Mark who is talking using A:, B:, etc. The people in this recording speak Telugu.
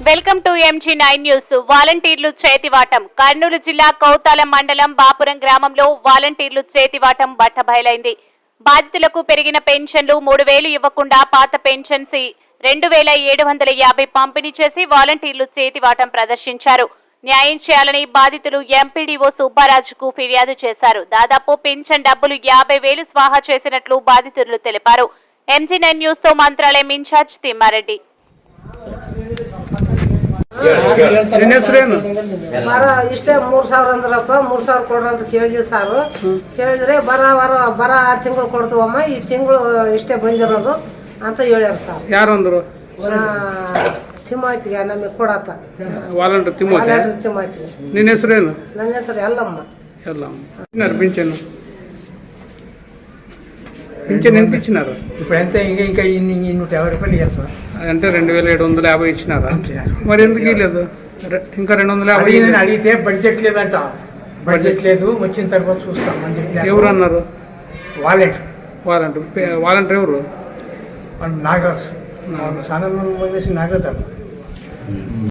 A: Welcome to MG9 news. వాలంటీర్లు చేతివాటం. కర్నూలు జిల్లా కౌతాలం మండలం బాపురం గ్రామంలో వాలంటీర్లు చేతివాటం బట్టబయలైంది. బాధితులకు పెరిగిన పెన్షన్లు 3000 ఇవ్వకుండా పాత పెన్షన్స్ 2750 పంపిణీ చేసి వాలంటీర్లు చేతివాటం ప్రదర్శించారు. న్యాయం చేయాలని బాధితులు ఎంపీడీఓ సుబ్బారాజుకు ఫిర్యాదు చేశారు. దాదాపు పెన్షన్ డబ్బులు 50,000 స్వాహా చేసినట్లు బాధితులు తెలిపారు. MG9 న్యూస్ తో మంత్రాలయం ఇన్ఛార్జ్ తిమ్మారెడ్డి.
B: ಇಷ್ಟೇ 3000 ಅಂದ್ರಪ್ಪ 3000 ಕೊಡ್ರಿ ಅಂತ ಕೇಳಿದ್ವಿ ಸರ್. ಕೇಳಿದ್ರೆ ಬರ 6 ತಿಂಗಳು ಕೊಡ್ತೀವಮ್ಮ, ಈ ತಿಂಗಳು ಇಷ್ಟೇ ಬಂದಿರೋದು ಅಂತ ಹೇಳ್ಯಾರ ಸರ್.
C: ಯಾರು ಅಂದ್ರು?
B: ತಿಮ್ಮಾಯ್ತಿಗೆ ನಮಗೆ ಕೊಡತ್ತ
C: ವಾಲಂಟಿಯರ್
B: ತಿಮ್ಮಾಯ್ತಿಗೆ.
C: ನಿನ್ನ ಹೆಸರೇನು?
B: ನನ್ನ ಹೆಸರು ಎಲ್ಲಮ್ಮ.
C: పింఛన్ పింఛన్ ఎంత ఇచ్చినారు?
D: ఇప్పుడు ఎంత ఇంకా 150 రూపాయలు ఇవ్వాలి సార్.
C: అంటే 2750 ఇచ్చినారా? మరి ఎందుకు ఇవ్వలేదు? ఇంకా 250
D: అడిగితే బడ్జెట్ లేదంట. బడ్జెట్ లేదు, వచ్చిన తర్వాత చూస్తామని చెప్పి.
C: ఎవరు అన్నారు?
D: వాలంటీర్
C: వాలంటీర్ ఎవరు?
D: నాగరాజు, నాగరాజు